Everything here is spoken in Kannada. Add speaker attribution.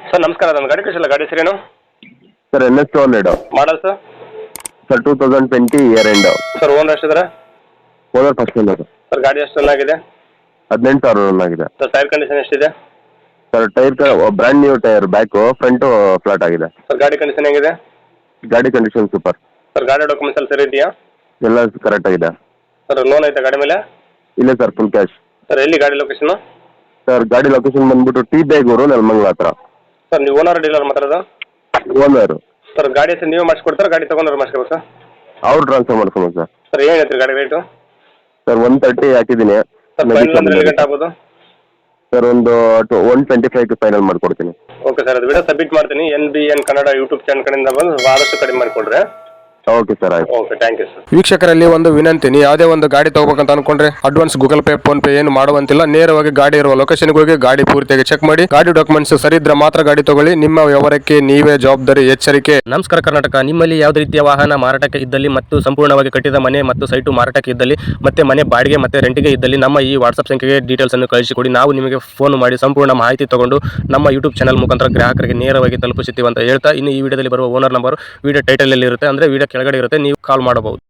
Speaker 1: ಸರ್ ನಮಸ್ಕಾರ, ನನ್ನ ಗಾಡಿ ಕಳಿಸಿಲ್ಲ. ಗಾಡಿ ಹೆಸರೇನು?
Speaker 2: Sir NS200
Speaker 1: model sir?
Speaker 2: Sir 2020 year end.
Speaker 1: Sir owner ಎಷ್ಟಿದ್ದಾರೆ?
Speaker 2: Owner first owner.
Speaker 1: ಸರ್ ಗಾಡಿ ಎಷ್ಟು ಚೆನ್ನಾಗಿದೆ?
Speaker 2: 18,000 ರನ್ ಆಗಿದೆ.
Speaker 1: ಸರ್ ಟೈರ್ ಕಂಡೀಷನ್ ಎಷ್ಟಿದೆ?
Speaker 2: Sir tyre brand new tyre, back front flat ಆಗಿದೆ.
Speaker 1: ಸರ್ ಗಾಡಿ ಕಂಡೀಷನ್ ಹೇಗಿದೆ?
Speaker 2: ಗಾಡಿ ಕಂಡೀಷನ್ ಸೂಪರ್.
Speaker 1: ಸರ್ ಗಾಡಿ ಡಾಕ್ಯುಮೆಂಟ್ಸ್ ಎಲ್ಲ ಸರಿ ಇದೆಯಾ?
Speaker 2: ಎಲ್ಲ ಕರೆಕ್ಟ್ ಆಗಿದೆ.
Speaker 1: ಸರ್ ಲೋನ್ ಐತೆ ಗಾಡಿ ಮೇಲೆ?
Speaker 2: ಇಲ್ಲ ಸರ್, ಫುಲ್ ಕ್ಯಾಶ್.
Speaker 1: ಸರ್ ಎಲ್ಲಿ ಗಾಡಿ ಲೊಕೇಶನ್?
Speaker 2: ಸರ್ ಗಾಡಿ ಲೊಕೇಶನ್ ಬಂದ್ಬಿಟ್ಟು ಟಿ ಬೇಗೂರು, ನೆಲಮಂಗಲ ಹತ್ರ.
Speaker 1: ಸರ್ ನೀವು ಓನರ್ ಡೀಲರ್ ಮಾತಾಡೋದು?
Speaker 2: ಓನರು.
Speaker 1: ಸರ್ ಗಾಡಿ ಹೆಸರು ನೀವೇ ಮಾಡಿಸ್ಕೊಡ್ತಾರೆ, ಗಾಡಿ ತೊಗೊಂಡ್ರೆ ಮಾಡಿಸ್ಕೋಬೇಕು ಸರ್?
Speaker 2: ಅವ್ರು ಟ್ರಾನ್ಸ್ಫರ್ ಮಾಡ್ಕೊಂಡು ಸರ್.
Speaker 1: ಸರ್ ಏನು ಹೇಳ್ತೀರಿ ಗಾಡಿ ರೇಟು?
Speaker 2: ಸರ್ 130 ಹಾಕಿದ್ದೀನಿ.
Speaker 1: ಸರ್ ಫೈನಲ್ ಅಂದ್ರೆ ಎಲ್ಲಿ ಗಂಟೆ ಆಗ್ಬೋದು?
Speaker 2: ಸರ್ ಒಂದು 125ಗೆ ಫೈನಲ್ ಮಾಡಿಕೊಡ್ತೀನಿ.
Speaker 1: ಓಕೆ ಸರ್, ಅದು ವಿಡಿಯೋ ಸಬ್ಮಿಟ್ ಮಾಡ್ತೀನಿ. NBN ಕನ್ನಡ ಯೂಟ್ಯೂಬ್ ಚಾನಲ್ ಕಡೆಯಿಂದ ಬಂದು ಆದಷ್ಟು ಕಡಿಮೆ ಮಾಡಿಕೊಡ್ರೆ.
Speaker 2: ಓಕೆ ಸರ್, ಆಯ್ತು.
Speaker 1: Okay, thank you sir.
Speaker 3: ವೀಕ್ಷಕರಲ್ಲಿ ಒಂದು ವಿನಂತಿ, ನೀವು ಯಾವುದೇ ಒಂದು ಗಾಡಿ ತಗೋಬೇಕಂತ ಅನ್ಕೊಂಡ್ರೆ advance Google Pay PhonePe ಏನು ಮಾಡುವಂತಿಲ್ಲ. ನೇರವಾಗಿ ಗಾಡಿ ಇರುವ ಲೊಕೇಶನ್ಗೆ ಹೋಗಿ ಗಾಡಿ ಪೂರ್ತಿಯಾಗಿ ಚೆಕ್ ಮಾಡಿ, ಗಾಡಿ ಡಾಕ್ಯುಮೆಂಟ್ಸ್ ಸರಿ ಇದ್ರೆ ಮಾತ್ರ ಗಾಡಿ ತಗೊಳ್ಳಿ. ನಿಮ್ಮ ವ್ಯವಹಾರಕ್ಕೆ ನೀವೇ ಜವಾಬ್ದಾರಿ. ಎಚ್ಚರಿಕೆ.
Speaker 4: ನಮಸ್ಕಾರ ಕರ್ನಾಟಕ. ನಿಮ್ಮಲ್ಲಿ ಯಾವುದೇ ರೀತಿಯ ವಾಹನ ಮಾರಾಟಕ್ಕೆ ಇದ್ದಲ್ಲಿ ಮತ್ತು ಸಂಪೂರ್ಣವಾಗಿ ಕಟ್ಟಿದ ಮನೆ ಮತ್ತು ಸೈಟು ಮಾರಾಟಕ್ಕೆ ಇದ್ದಲ್ಲಿ ಮತ್ತೆ ಮನೆ ಬಾಡಿಗೆ ಮತ್ತು ರೆಂಟಿಗೆ ಇದ್ದಲ್ಲಿ ನಮ್ಮ ಈ ವಾಟ್ಸ್ಆಪ್ ಸಂಖ್ಯೆಗೆ ಡೀಟೇಲ್ಸ್ ಅನ್ನು ಕಳಿಸಿಕೊಡಿ. ನಾವು ನಿಮಗೆ ಫೋನ್ ಮಾಡಿ ಸಂಪೂರ್ಣ ಮಾಹಿತಿ ತಗೊಂಡು ನಮ್ಮ ಯೂಟ್ಯೂಬ್ ಚಾನಲ್ ಮುಖಾಂತರ ಗ್ರಾಹಕರಿಗೆ ನೇರವಾಗಿ ತಲುಪಿಸುತ್ತೀವಿ ಅಂತ ಹೇಳ್ತಾ, ಇನ್ನು ಈ ವಿಡಿಯೋದಲ್ಲಿ ಬರುವ ಓನರ್ ನಂಬರ್ ವಿಡಿಯೋ ಟೈಟಲ್ ಅಲ್ಲಿ ಇರುತ್ತೆ, ಅಂದ್ರೆ ವಿಡಿಯೋ ಕೆಳಗಡೆ ಇರುತ್ತೆ, ನೀವು ಕಾಲ್ ಮಾಡಬಹುದು.